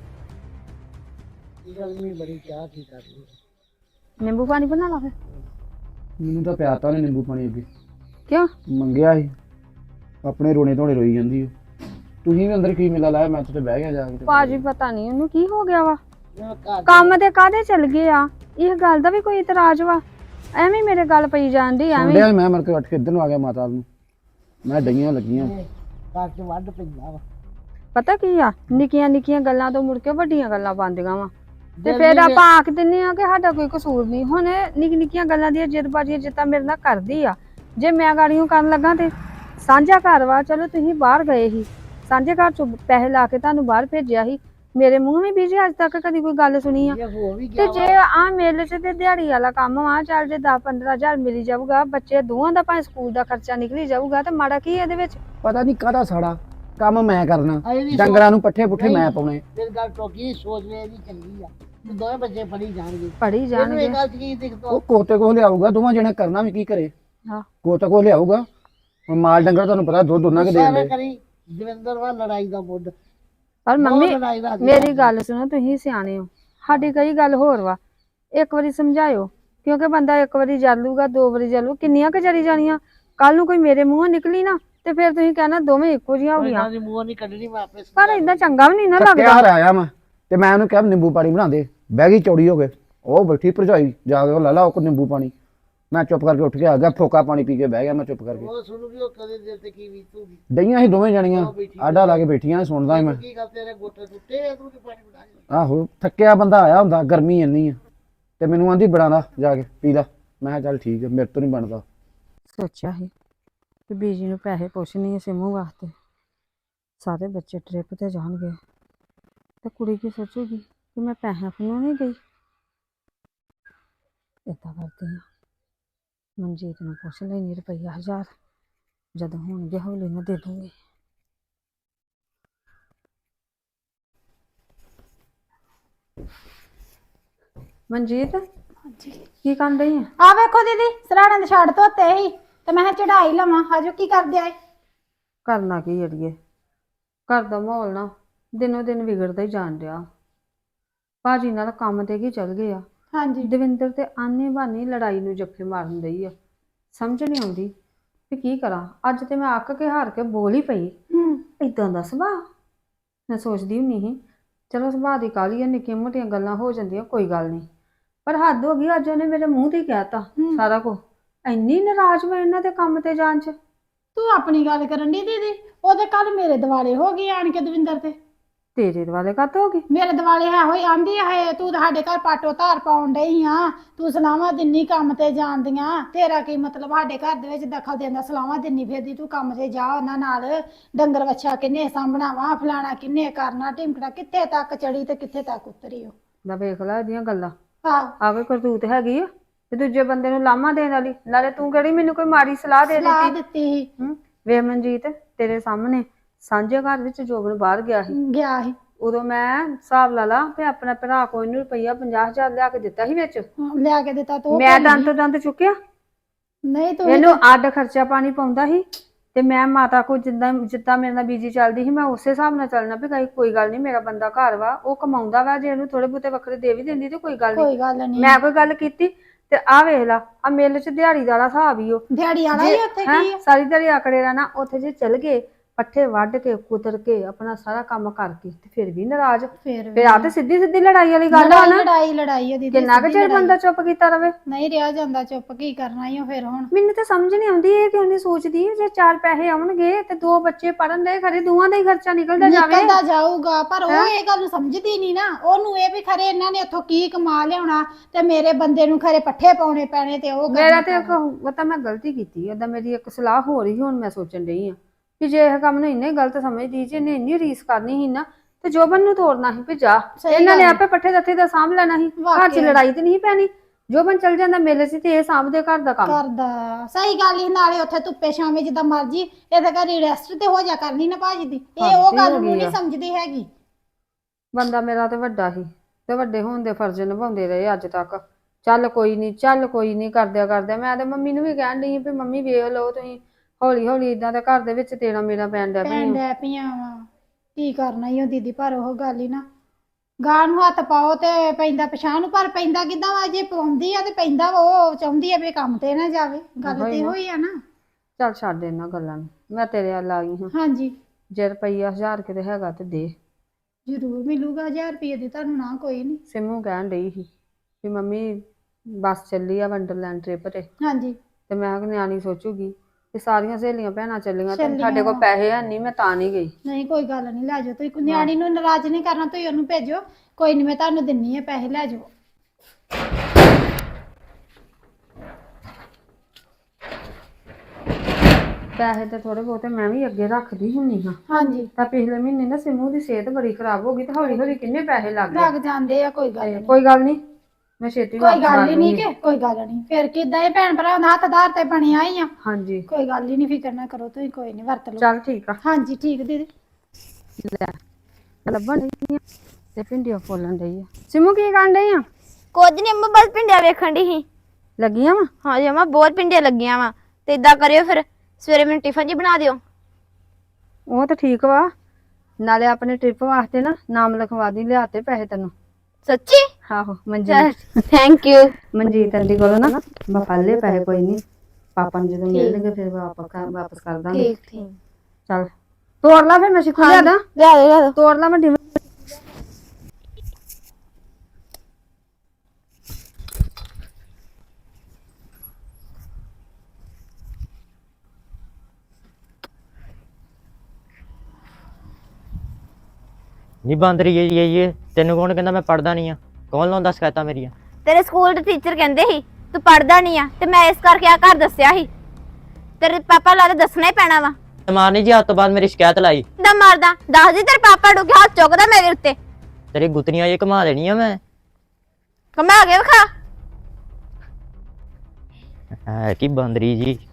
F: ਗਰਮੀ ਬੜੀ, ਚਾਹ ਕੀ ਕਰਨੀ?
A: ਨਿੰਬੂ ਪਾਣੀ ਬਣਾ ਲਾ ਫਿਰ।
D: ਮੈਨੂੰ ਤਾਂ ਪਿਆਤਾ ਉਹਨੇ ਨਿੰਬੂ ਪਾਣੀ ਅੱਗੇ,
A: ਕਿਉਂ
D: ਮੰਗਿਆ ਸੀ, ਆਪਣੇ ਰੋਣੇ ਧੋਣੇ ਰੋਈ ਜਾਂਦੀ ਹੈ। ਤੁਸੀਂ ਵੀ ਅੰਦਰ ਕੀ ਮਿਲਾ ਲਾਇਆ? ਮੈਂ ਤੇ ਬਹਿ ਗਿਆ ਜਾ ਕੇ।
A: ਭਾਜੀ ਪਤਾ ਨਹੀਂ ਉਹਨੂੰ ਕੀ ਹੋ ਗਿਆ ਵਾ, ਕੰਮ ਤੇ ਕਾਹਦੇ ਚੱਲ ਗਏ ਆ? ਇਹ ਗੱਲ ਦਾ ਵੀ ਕੋਈ ਇਤਰਾਜ਼ ਵਾ? ਐਵੇਂ ਮੇਰੇ ਗੱਲ ਪਈ ਜਾਂਦੀ ਐਵੇਂ।
D: ਮੈਂ ਮਰ ਕੇ ਉੱਠ ਕੇ ਇੱਧਰ ਨੂੰ ਆ ਗਿਆ ਮਾਤਾ ਨੂੰ, ਮੈਂ ਡਈਆਂ ਲੱਗੀਆਂ
F: ਘਰ 'ਚ ਵੱਢ ਪੈਂਦਾ ਵਾ।
A: ਪਤਾ ਕੀ ਆ, ਨਿੱਕੀਆਂ ਨਿੱਕੀਆਂ ਗੱਲਾਂ ਤੋਂ ਮੁੜ ਕੇ ਵੱਡੀਆਂ ਗੱਲਾਂ ਬਣਦੀਆਂ ਵਾ ਤੇ
F: ਜਲਦੀ
A: ਫਿਰ
F: ਵੇ-
A: ਆਪਾਂ ਆਖ ਦਿੰਨੇ ਆ ਕਿ ਸਾਡਾ ਕੋਈ ਕਸੂਰ ਨਹੀਂ। ਹੁਣ ਨਿੱਕੀ ਨਿੱਕੀਆਂ ਗੱਲਾਂ ਦੀਆਂ ਜਿੱਦਬਾਜ਼ੀਆਂ ਜਿੱਦਾਂ ਮੇਰੇ ਨਾਲ ਕਰਦੀ ਆ, ਜੇ ਮੈਂ ਗਾੜੀਆਂ ਕਰਨ ਲੱਗਾ ਤੇ ਸਾਂਝਾ ਘਰ ਵਾ, ਚਲੋ ਤੁਸੀਂ ਬਾਹਰ ਗਏ ਸੀ, ਸਾਂਝੇ ਘਰ ਚੋਂ ਪੈਸੇ ਲਾ ਕੇ ਤੁਹਾਨੂੰ ਬਾਹਰ ਭੇਜਿਆ ਸੀ, ਮੇਰੇ ਮੂੰਹ ਵੀ ਬੀਜੀ ਅੱਜ ਤੱਕ ਕਦੀ ਕੋਈ ਗੱਲ ਸੁਣੀ ਆ।
F: ਜੇ ਹੋ ਵੀ
A: ਤੇ
F: ਗਿਆ
A: ਜੇ ਆ ਮੇਲੇ 'ਚ ਤੇ ਦਿਹਾੜੀ ਵਾਲਾ ਕੰਮ ਆ, ਚੱਲ ਜੇ 10-15 ਹਜ਼ਾਰ ਮਿਲੀ ਜਾਊਗਾ, ਬੱਚੇ ਦੋਵਾਂ ਦਾ ਭਾਵੇਂ ਸਕੂਲ ਦਾ ਖਰਚਾ ਨਿਕਲੀ ਜਾਊਗਾ, ਤੇ ਮਾੜਾ ਕੀ ਇਹਦੇ ਵਿੱਚ?
D: ਪਤਾ ਨਹੀਂ ਕਾਹਦਾ ਸਾੜਾ ਕੰਮ ਮੈਂ ਕਰਨਾ,
F: ਅਜੇ ਵੀ
D: ਡੰਗਰਾਂ ਨੂੰ ਪੱਠੇ ਪੁੱਠੇ
F: ਨਹੀਂ।
D: ਮੈਂ ਪਾਉਣੇ।
F: ਫਿਰ ਗੱਲ ਟੋਕੀ ਸੋਚ ਵੇ ਇਹਦੀ ਚੰਗੀ ਆ ਤੇ ਦੋਵੇਂ ਬੱਚੇ ਪੜੀ ਜਾਣਗੇ।
A: ਪੜੀ
F: ਇਹਨੂੰ
A: ਜਾਣਗੇ।
F: ਇਹ ਗੱਲ ਚ ਕੀ ਦਿਖਦਾ?
D: ਉਹ ਕੋਤੇ ਕੋਲ ਲਿਆਊਗਾ, ਦੋਵਾਂ ਜਣੇ ਕਰਨਾ ਵੀ ਕੀ ਕਰੇ।
A: ਹਾਂ
D: ਕੋਤੇ ਕੋਲ ਲਿਆਊਗਾ, ਹੁਣ ਮਾਲ ਡੰਗਰ ਤੁਹਾਨੂੰ ਪਤਾ ਦੁੱਧ ਉਹਨਾਂ ਕੇ ਦੇਣ
F: ਸਾਰੇ
D: ਦੇ।
F: ਕਰੀ ਦਵਿੰਦਰ ਵਾ ਲੜਾਈ ਦਾ ਮੁੱਢ
A: ਪਰ
F: ਬਹੁਤ
A: ਮੰਮੀ
F: ਲੜਾਈ ਦਾ
A: ਮੇਰੀ ਗੱਲ ਸੁਣੋ, ਤੁਸੀਂ ਸਿਆਣੇ ਹੋ, ਸਾਡੀ ਕਈ ਗੱਲ ਹੋਰ ਵਾ, ਇੱਕ ਵਾਰੀ ਸਮਝਾਇਓ, ਕਿਉਂਕਿ ਬੰਦਾ ਇੱਕ ਵਾਰੀ ਜਲੂਗਾ, 2 ਵਾਰੀ ਜਲੂ, ਕਿੰਨੀਆਂ ਕੁ ਜਰੀ ਜਾਣੀਆਂ? ਕੱਲ ਨੂੰ ਕੋਈ ਮੇਰੇ ਮੂੰਹੋਂ ਨਿਕਲੀ ਨਾ ਤੇ ਫਿਰ ਤੁਸੀਂ ਕਹਿਣਾ ਦੋਵੇਂ ਇੱਕੋ ਜਿਹੀਆਂ ਹੋ ਗਈਆਂ।
F: ਇਹਨਾਂ ਦੀ ਮੂੰਹ ਨਹੀਂ ਕੱਢਣੀ, ਮੈਂ ਆਪੇ
A: ਪਰ ਏਦਾਂ ਚੰਗਾ ਵੀ ਨਹੀਂ ਨਾ
D: ਥੱਕਿਆ
A: ਲੱਗਦਾ।
D: ਹਾਰ ਆਇਆ ਮੈਂ ਤੇ ਮੈਂ ਉਹਨੂੰ ਕਿਹਾ ਨਿੰਬੂ ਪਾਣੀ ਬਣਾ ਦੇ, ਬਹਿ ਗਈ ਚੌੜੀ ਹੋ ਕੇ, ਉਹ ਬੈਠੀ ਭਰਜਾਈ ਜਾ ਕੇ ਉਹ ਲੈ ਲਾ ਉਹ ਨਿੰਬੂ ਪਾਣੀ। ਮੈਂ ਚੁੱਪ ਕਰਕੇ ਉੱਠ ਕੇ ਆ ਗਿਆ, ਫੋਕਾ ਪਾਣੀ ਪੀ ਕੇ ਬਹਿ ਗਿਆ ਮੈਂ ਚੁੱਪ ਕਰਕੇ।
F: ਉਹ ਸੁਣੂਗੀ, ਉਹ ਕਦੇ ਦਿਲ ਤੇ ਕੀ ਬੀਤੂਗੀ।
D: ਡਈਆਂ ਸੀ ਦੋਵੇਂ ਜਣੀਆਂ ਆਡਾ ਲਾ ਕੇ ਬੈਠੀਆਂ, ਸੁਣਦਾ ਸੀ ਮੈਂ।
F: ਕੀ ਗੱਲ ਤੇਰੇ ਗੋਟੇ ਟੁੱਟੇ ਆ, ਤੂੰ ਤੇ ਪਾਣੀ ਬਣਾ
D: ਆਹੋ ਥੱਕਿਆ ਬੰਦਾ ਆਇਆ ਹੁੰਦਾ, ਗਰਮੀ ਇੰਨੀ ਆ ਤੇ ਮੈਨੂੰ ਆਂਦੀ ਬਣਾ ਜਾ ਕੇ ਪੀ ਲਾ। ਮੈਂ ਕਿਹਾ ਚੱਲ ਠੀਕ ਹੈ, ਮੇਰੇ ਤੋਂ ਨਹੀਂ ਬਣਦਾ।
A: ਸੋਚਿਆ ਸੀ ਕਿ ਬੀਜੀ ਨੂੰ ਪੈਸੇ ਪੁੱਛਣੀ ਸਿਮੂ ਵਾਸਤੇ, ਸਾਰੇ ਬੱਚੇ ਟ੍ਰਿਪ ਤੇ ਜਾਣਗੇ ਤੇ ਕੁੜੀ ਕੀ ਸੋਚੂਗੀ ਕਿ ਮੈਂ ਪੈਸਿਆਂ ਫਨੋਂ ਨਹੀਂ ਗਈ। ਏਦਾਂ ਕਰਦੀ ਆ, ਮਨਜੀਤ ਨੂੰ ਪੁੱਛ ਲੈਣੀ ਰੁਪਈਆ 1000, ਜਦੋਂ ਹੋਣਗੇ ਹੌਲੀ ਨਾਲ ਦੇ ਦੂੰਗੀ। ਮਨਜੀਤ ਕੀ ਕਰਨ ਡਈ ਆ?
G: ਆ ਵੇਖੋ ਦੀਦੀ, ਸਰਾਣੇ ਦੇ ਛੱਡ ਧੋਤੇ ਸੀ ਤੇ ਮੈਂ ਚੜਾਈ ਲਵਾਂ। ਆਜੋ ਕੀ ਕਰਦੇ ਆਏ?
A: ਕਰਨਾ ਕੀ ਅੜੀਏ, ਘਰ ਦਾ ਮਾਹੌਲ ਨਾ ਦਿਨੋਂ ਦਿਨ ਵਿਗੜਦਾ ਹੀ ਜਾਣ ਡਿਆ। ਭਾਜੀ ਨਾਲ ਕੰਮ ਤੇ ਕੀ ਚੱਲ ਗਏ ਆ,
G: ਹਾਂਜੀ
A: ਦਵਿੰਦਰ ਤੇ ਆਨੇ ਬਾਨੇ ਲੜਾਈ ਨੂੰ ਜੱਫੇ ਮਾਰਨ ਡਈ ਆ। ਸਮਝ ਨਹੀਂ ਆਉਂਦੀ ਵੀ ਕੀ ਕਰਾਂ। ਅੱਜ ਤੇ ਮੈਂ ਅੱਕ ਕੇ ਹਾਰ ਕੇ ਬੋਲ ਹੀ ਪਈ। ਇਦਾਂ ਦਾ ਸੁਭਾਅ ਮੈਂ ਸੋਚਦੀ ਹੁੰਦੀ ਸੀ, ਚਲੋ ਸੁਭਾਅ ਦੀ ਕਾਹਲੀ ਆ, ਨਿੱਕੀਆਂ ਮੋਟੀਆਂ ਗੱਲਾਂ ਹੋ ਜਾਂਦੀਆਂ, ਕੋਈ ਗੱਲ ਨਹੀਂ, ਪਰ ਹੱਦ ਹੋ ਗਈ। ਅੱਜ ਉਹਨੇ ਮੇਰੇ ਮੂੰਹ ਤੇ ਹੀ ਕਹਿਤਾ ਸਾਰਾ ਕੁਝ। ਇੰਨੀ ਨਾਰਾਜ਼ ਮੈਂ ਇਹਨਾਂ ਦੇ ਕੰਮ ਤੇ ਜਾਣ ਚ।
G: ਤੂੰ ਆਪਣੀ ਗੱਲ ਕਰਨ ਦੀ ਦੀਦੀ, ਉਹਦੇ ਕੱਲ ਮੇਰੇ ਦਿਵਾਲੇ ਹੋ ਗਏ ਆਣ ਕੇ ਦਵਿੰਦਰ ਤੇ।
A: ਤੇਰੇ ਦੁਆਲੇ ਕੱਤ ਹੋ ਗਈ?
G: ਮੇਰੇ ਦਿਵਾਲੇ ਹੈ ਹੋਈ ਆਂਦੀ ਹੈ ਤੂੰ ਸਾਡੇ ਘਰ ਪਾਟੋ ਧਾਰ ਪਾਉਣ ਡਈ ਆ, ਤੂੰ ਸਲਾਵਾਂ ਦਿੰਨੀ ਕੰਮ ਤੇ ਜਾਂਦੀਆਂ, ਤੇਰਾ ਕੀ ਮਤਲਬ ਸਾਡੇ ਘਰ ਦੇ ਵਿੱਚ ਦਖਲ ਦੇਣ ਦਾ? ਸਲਾਵਾਂ ਦਿੰਨੀ ਫਿਰਦੀ ਤੂੰ, ਕੰਮ ਤੇ ਜਾ ਉਹਨਾਂ ਨਾਲ, ਡੰਗਰ ਵੱਛਾ ਕਿੰਨੇ ਸਾਂਭਣਾ ਵਾ, ਫਲਾਣਾ ਕਿੰਨੇ ਕਰਨਾ, ਢਿਮਕਣਾ ਕਿੱਥੇ ਤੱਕ ਚੜੀ ਤੇ ਕਿੱਥੇ ਤੱਕ ਉਤਰੀ। ਉਹ
A: ਦਾ ਵੇਖ ਲੈ ਇਹਦੀਆਂ ਗੱਲਾਂ,
G: ਆਹ
A: ਆ ਕੋਈ ਕਰਤੂਤ ਹੈਗੀ ਆ ਤੇ ਦੂਜੇ ਬੰਦੇ ਨੂੰ ਲਾਮਾ ਦੇਣ ਵਾਲੀ। ਨਾਲੇ ਤੂੰ ਕਿਹੜੀ ਮੈਨੂੰ ਕੋਈ ਮਾੜੀ ਸਲਾਹ ਦੇ
G: ਸਲਾਹ
A: ਦਿੱਤੀ?
G: ਦਿੱਤੀ ਸੀ,
A: ਵੇ ਮਨਜੀਤ, ਤੇਰੇ ਸਾਹਮਣੇ ਸਾਂਝੇ ਘਰ ਵਿੱਚ ਜੋਬਨ ਬਾਹਰ ਗਿਆ ਸੀ,
G: ਗਿਆ ਸੀ,
A: ਉਦੋਂ ਮੈਂ ਹਿਸਾਬ ਲਾ ਲਾ ਤੇ ਆਪਣਾ ਭਰਾ ਕੋਈ ਨੂੰ ਰੁਪਈਆ 50,000 ਲਿਆ ਕੇ ਦਿੱਤਾ ਸੀ ਵਿੱਚ।
G: ਲਿਆ ਕੇ ਦਿੱਤਾ ਤੂੰ?
A: ਮੈਂ ਦੰਦ ਤੋਂ ਦੰਦ ਚੁੱਕਿਆ,
G: ਨਹੀਂ ਤੂੰ
A: ਇਹਨੂੰ ਅੱਡ ਖਰਚਾ ਪਾਣੀ ਪਾਉਂਦਾ ਸੀ ਤੇ ਮੈਂ ਮਾਤਾ ਕੋ ਜਿੱਦਾਂ ਮੇਰੇ ਨਾਲ ਬੀਜੀ ਚੱਲਦੀ ਸੀ, ਮੈਂ ਉਸੇ ਹਿਸਾਬ ਨਾਲ ਚੱਲਣਾ ਵੀ ਕੋਈ ਗੱਲ ਨਹੀਂ, ਮੇਰਾ ਬੰਦਾ ਘਰ ਵਾ, ਉਹ ਕਮਾਉਂਦਾ ਵਾ, ਜੇ ਇਹਨੂੰ ਥੋੜੇ ਬਹੁਤੇ ਵੱਖਰੇ ਦੇ ਵੀ ਦਿੰਦੀ ਤੇ ਕੋਈ ਗੱਲ ਨਹੀਂ।
G: ਕੋਈ ਗੱਲ ਨਹੀਂ,
A: ਮੈਂ ਕੋਈ ਗੱਲ ਕੀਤੀ ਤੇ ਆ ਵੇਖ ਲਾ, ਆ ਮੇਲੇ 'ਚ ਦਿਹਾੜੀ ਦਾ ਹਿਸਾਬ ਹੀ ਉਹ
G: ਦਿਹਾੜੀ ਵਾਲਾ ਹੀ ਉੱਥੇ
A: ਹੈਂ,
G: ਕੀ ਆ?
A: ਸਾਰੀ ਦਿਹਾੜੀ ਆਕੜੇ ਰਹਿਣਾ। ਉੱਥੇ ਜੇ ਚਲ ਗਏ, ਪੱਠੇ ਵੱਢ ਕੇ ਕੁਤਰ ਕੇ ਆਪਣਾ ਸਾਰਾ ਕੰਮ ਕਰਕੇ ਤੇ ਫਿਰ ਵੀ ਨਾਰਾਜ਼। ਫਿਰ ਆ ਤੇ ਸਿੱਧੀ ਸਿੱਧੀ ਲੜਾਈ ਵਾਲੀ ਗੱਲ ਆ ਨਾ।
G: ਲੜਾਈ ਆ ਦੀਦੀ,
A: ਕਿੰਨਾ ਕੁ ਚਿਰ ਬੰਦਾ ਚੁੱਪ ਕੀਤਾ ਰਵੇ?
G: ਨਹੀਂ ਰਿਹਾ ਜਾਂਦਾ ਚੁੱਪ, ਕੀ ਕਰਨਾ ਹੀ ਫਿਰ ਹੁਣ।
A: ਮੈਨੂੰ ਤਾਂ ਸਮਝ ਨਹੀਂ ਆਉਂਦੀ ਇਹ ਕਿਉਂ ਨਹੀਂ ਸੋਚਦੀ ਜੇ 4 ਪੈਸੇ ਆਉਣਗੇ ਤੇ 2 ਬੱਚੇ ਪੜਨ ਦੇ, ਖਰੇ ਦੋਵਾਂ ਦਾ ਹੀ ਖਰਚਾ ਨਿਕਲਦਾ ਜਾਵੇ।
G: ਨਿਕਲਦਾ ਜਾਊਗਾ, ਪਰ ਉਹ ਇਹ ਗੱਲ ਨੂੰ ਸਮਝਦੀ ਨਹੀਂ ਨਾ। ਉਹਨੂੰ ਇਹ ਵੀ ਖਰੇ ਇਹਨਾਂ ਨੇ ਉੱਥੋਂ ਕੀ ਕਮਾ ਲਿਆਉਣਾ ਤੇ ਮੇਰੇ ਬੰਦੇ ਨੂੰ ਖਰੇ ਪੱਠੇ ਪਾਉਣੇ ਪੈਣੇ ਤੇ ਉਹ
A: ਮੇਰਾ ਤੇ ਉਹ ਤਾਂ ਮੈਂ ਗਲਤੀ ਕੀਤੀ, ਓਦਾਂ ਮੇਰੀ ਇੱਕ ਸਲਾਹ ਹੋ ਰਹੀ, ਹੁਣ ਮੈਂ ਸੋਚਣ ਡਈ ਆ ਕਿ ਜੇ ਇਹ ਕੰਮ ਨੂੰ ਇੰਨੇ ਗਲਤ ਸਮਝਦੀ, ਜੇ ਇਹਨੇ ਇੰਨੀ ਰੀਸ ਕਰਨੀ ਸੀ ਨਾ ਤੇ ਜੋਬਨ ਨੂੰ ਤੋੜਨਾ ਸੀ ਵੀ ਜਾ, ਇਹਨਾਂ ਨੇ ਆਪੇ ਪੱਠੇ ਦੱਥੇ ਦਾ ਸਾਂਭ ਲੈਣਾ ਸੀ, ਘਰ 'ਚ ਲੜਾਈ ਤੇ ਨਹੀਂ ਪੈਣੀ। ਜੋਬਨ ਚਲ ਜਾਂਦਾ ਮੇਲੇ 'ਚ ਤੇ ਇਹ ਸਾਂਭਦੇ ਘਰ ਦਾ ਕੰਮ।
G: ਕਰਦਾ ਸਹੀ ਗੱਲ ਹੀ, ਨਾਲੇ ਉੱਥੇ ਧੁੱਪੇ ਛਾਵੇਂ ਜਿੱਦਾਂ ਮਰਜੀ ਇਹਦੇ ਘਰ ਰੈਸਟ ਤੇ ਹੋ ਜਾ ਕਰਨੀ ਨਾ ਭਾਜੀ ਦੀ। ਇਹ ਉਹ ਗੱਲ ਨੂੰ ਨਹੀਂ ਸਮਝਦੀ ਹੈਗੀ।
A: ਬੰਦਾ ਮੇਰਾ ਤੇ ਵੱਡਾ ਸੀ ਤੇ ਵੱਡੇ ਹੋਣ ਦੇ ਫਰਜ਼ ਨਿਭਾਉਂਦੇ ਰਹੇ ਅੱਜ ਤੱਕ। ਚੱਲ ਕੋਈ ਨਹੀਂ ਕਰਦਿਆਂ ਮੈਂ ਤੇ ਮੰਮੀ ਨੂੰ ਵੀ ਕਹਿਣ ਡਈ ਵੀ ਮੰਮੀ ਵੇਖ ਲਓ ਤੁਸੀਂ, ਹੌਲੀ ਹੌਲੀ ਇਦਾਂ ਦੇ ਘਰ ਦੇ ਵਿੱਚ ਤੇਰਾ ਮੇਰਾ ਪੈਣ ਡਿਆ
G: ਪਈਆਂ ਵਾ, ਕੀ ਕਰਨਾ ਹੀ ਉਹ ਦੀਦੀ। ਪਰ ਉਹ ਗੱਲ ਹੀ ਨਾ, ਗਾਂ ਨੂੰ ਹੱਥ ਪਾਓ ਤੇ ਪੈਂਦਾ ਪਛਾਣ ਨੂੰ, ਪਰ ਪੈਂਦਾ ਕਿੱਦਾਂ ਵਾ? ਜੇ ਪਾਉਂਦੀ ਆ ਤੇ ਪੈਂਦਾ ਵਾ, ਉਹ ਚਾਹੁੰਦੀ ਆ ਵੀ ਕੰਮ ਤੇ ਨਾ ਜਾਵੇ। ਗੱਲ ਤੇ ਹੋਈ ਆ ਨਾ।
A: ਚੱਲ ਛੱਡ ਇਹਨਾਂ ਗੱਲਾਂ ਨੂੰ, ਮੈਂ ਤੇਰੇ ਵੱਲ ਆ ਗਈ ਹਾਂ।
G: ਹਾਂਜੀ,
A: ਜੇ ਰੁਪਈਆ 1000 ਕਿਤੇ ਹੈਗਾ ਤੇ ਦੇ।
G: ਜ਼ਰੂਰ ਮਿਲੂਗਾ 1000 ਰੁਪਏ ਦੀ ਤੁਹਾਨੂੰ, ਨਾ ਕੋਈ ਨਹੀਂ।
A: ਸਿੰਮੂ ਕਹਿਣ ਡਈ ਸੀ ਵੀ ਮੰਮੀ ਬੱਸ ਚੱਲੀ ਆ ਵੰਡਰਲੈਂਡ ਟ੍ਰਿਪ ਤੇ
G: ਹਾਂਜੀ,
A: ਤੇ ਮੈਂ ਕਿਹਾ ਨਿਆਣੀ ਸੋਚੂਗੀ ਤੇ ਸਾਰੀਆਂ ਸਹੇਲੀਆਂ ਭੈਣਾਂ ਚੱਲੀਆਂ ਤੇ
G: ਚੱਲੀਆਂ
A: ਸਾਡੇ ਕੋਲ
G: ਵਾਂ।
A: ਪੈਸੇ ਹੈ ਨਹੀਂ, ਮੈਂ ਤਾਂ ਨਹੀਂ ਗਈ।
G: ਨਹੀਂ ਕੋਈ ਗੱਲ ਨਹੀਂ, ਲੈ ਜਾਓ ਤੁਸੀਂ। ਨਿਆਣੀ ਨੂੰ ਨਾਰਾਜ਼ ਨਹੀਂ ਕਰਨਾ, ਤੁਸੀਂ ਉਹਨੂੰ ਭੇਜੋ। ਕੋਈ ਨਹੀਂ, ਮੈਂ ਤੁਹਾਨੂੰ ਦਿੰਨੀ ਆ ਪੈਸੇ, ਲੈ ਜਾਓ।
A: ਪੈਸੇ ਤੇ ਥੋੜੇ ਬਹੁਤੇ ਮੈਂ ਵੀ ਅੱਗੇ ਰੱਖਦੀ ਹੁੰਨੀ ਹਾਂ।
G: ਹਾਂਜੀ,
A: ਤਾਂ ਪਿਛਲੇ ਮਹੀਨੇ ਨਾ ਸਿੰਮੂ ਦੀ ਸਿਹਤ ਬੜੀ ਖਰਾਬ ਹੋ ਗਈ ਤੇ ਹੌਲੀ ਹੌਲੀ ਕਿੰਨੇ ਪੈਸੇ ਲੱਗ ਗਏ।
G: ਲੱਗ ਜਾਂਦੇ ਆ, ਕੋਈ ਗੱਲ
A: ਤੇ
G: ਨਹੀਂ।
A: ਕੋਈ ਗੱਲ ਨਹੀਂ, ਮੈਂ ਛੇਤੀ
G: ਕੋਈ
A: ਵਾਪਸ
G: ਗੱਲ
A: ਕਰ
G: ਹੀ ਨਹੀਂ
A: ਦੂੰਗੀ।
G: ਕਿ ਕੋਈ ਗੱਲ ਨਹੀਂ। ਫਿਰ ਕਿੱਦਾਂ ਇਹ ਭੈਣ ਭਰਾ ਦਾ ਹੱਥ ਆਧਾਰ ਤੇ ਬਣਿਆ ਹੀ ਆ।
A: ਹਾਂਜੀ
G: ਕੋਈ ਗੱਲ ਹੀ ਨਹੀਂ, ਫਿਕਰ ਨਾ ਕਰੋ ਤੁਸੀਂ, ਕੋਈ ਨਹੀਂ, ਵਰਤ ਲਓ।
A: ਚੱਲ ਠੀਕ ਆ।
G: ਹਾਂਜੀ ਠੀਕ ਦੀਦੀ।
A: ਲੱਭਣ ਡਈ ਆ ਤੇ ਭਿੰਡੀਆਂ ਫੋਲਣ ਡਈ ਆ। ਸਿੰਮੂ ਕੀ ਕਰਨ ਡਈ ਆ?
E: ਕੁਝ ਨਹੀਂ ਅੰਮਾ, ਬਸ ਪਿੰਡਿਆ ਵੇਖਣ ਦੀ ਸੀ।
A: ਲੱਗੀਆਂ ਵਾ?
E: ਹਾਂਜੀ ਅੰਮਾ, ਬਹੁਤ ਪਿੰਡੀਆਂ ਲੱਗੀਆਂ ਵਾ। ਤੇ ਇਦਾਂ ਕਰਿਓ ਫਿਰ, ਸਵੇਰੇ ਮੈਨੂੰ ਟਿਫਨ ਜੀ ਬਣਾ ਦਿਓ।
A: ਉਹ ਤਾਂ ਠੀਕ ਵਾ, ਨਾਲੇ ਆਪਣੇ ਟ੍ਰਿਪ ਵਾਸਤੇ ਨਾ ਨਾਮ ਲਿਖਵਾ ਦੀ, ਲਿਆਤੇ ਪੈਸੇ ਤੈਨੂੰ।
E: ਸੱਚੀ?
A: ਆਹੋ Manjeet,
E: thank you.
A: Manjeet aunty ਕੋਲੋਂ ਨਾ ਮੈਂ ਪਾ ਲਏ ਪੈਸੇ, ਕੋਈ ਨਹੀਂ ਪਾਪਾ ਨੂੰ ਜਦੋਂ ਮਿਲਣਗੇ ਫਿਰ ਵਾਪਸ ਕਰ ਦਾਂਗੇ।
E: ਠੀਕ ਠੀਕ।
A: ਚੱਲ ਤੋੜ ਲਾ ਫਿਰ, ਮੈਂ ਸਿੱਖੂ ਲਿਆ ਦਾਂ।
E: ਲੈ ਦੋ।
A: ਤੋੜ ਲਾ ਮੈਂ ਡਿਮ
H: ਨਹੀਂ ਬੰਦ ਰਹੀ ਇਹ ਤੈਨੂੰ ਕੌਣ ਕਹਿੰਦਾ ਮੈਂ ਪੜਦਾ ਨਹੀਂ ਆ? ਕੌਣ ਲਾਉਂਦਾ ਸ਼ਿਕਾਇਤਾਂ ਮੇਰੀਆਂ?
E: ਤੇਰੇ ਸਕੂਲ ਦੇ ਟੀਚਰ ਕਹਿੰਦੇ ਸੀ ਤੂੰ ਪੜਦਾ ਨਹੀਂ ਆ, ਤੇ ਮੈਂ ਇਸ ਕਰਕੇ ਆ ਘਰ ਦੱਸਿਆ ਸੀ। ਤੇਰੇ ਪਾਪਾ ਲਾ ਦੱਸਣਾ ਹੀ ਪੈਣਾ ਵਾ।
H: ਮਾਰਨੀ ਜੀ, ਅੱਜ ਤੋਂ ਬਾਅਦ ਮੇਰੀ ਸ਼ਿਕਾਇਤ ਲਾਈ
E: ਦਾ ਮਾਰਦਾ ਦੱਸ ਦੀ, ਤੇਰੇ ਪਾਪਾ ਡੁੱਗੇ ਹੱਥ ਚੁੱਕਦਾ ਮੇਰੇ ਉੱਤੇ।
H: ਤੇਰੀ ਗੁੱਤਨੀਆਂ ਇਹ ਘੁਮਾ ਦੇਣੀਆਂ ਮੈਂ।
E: ਕਮਾ ਕੇ ਵਿਖਾ।
H: ਹੈ ਕੀ ਬੰਦਰੀ ਜੀ।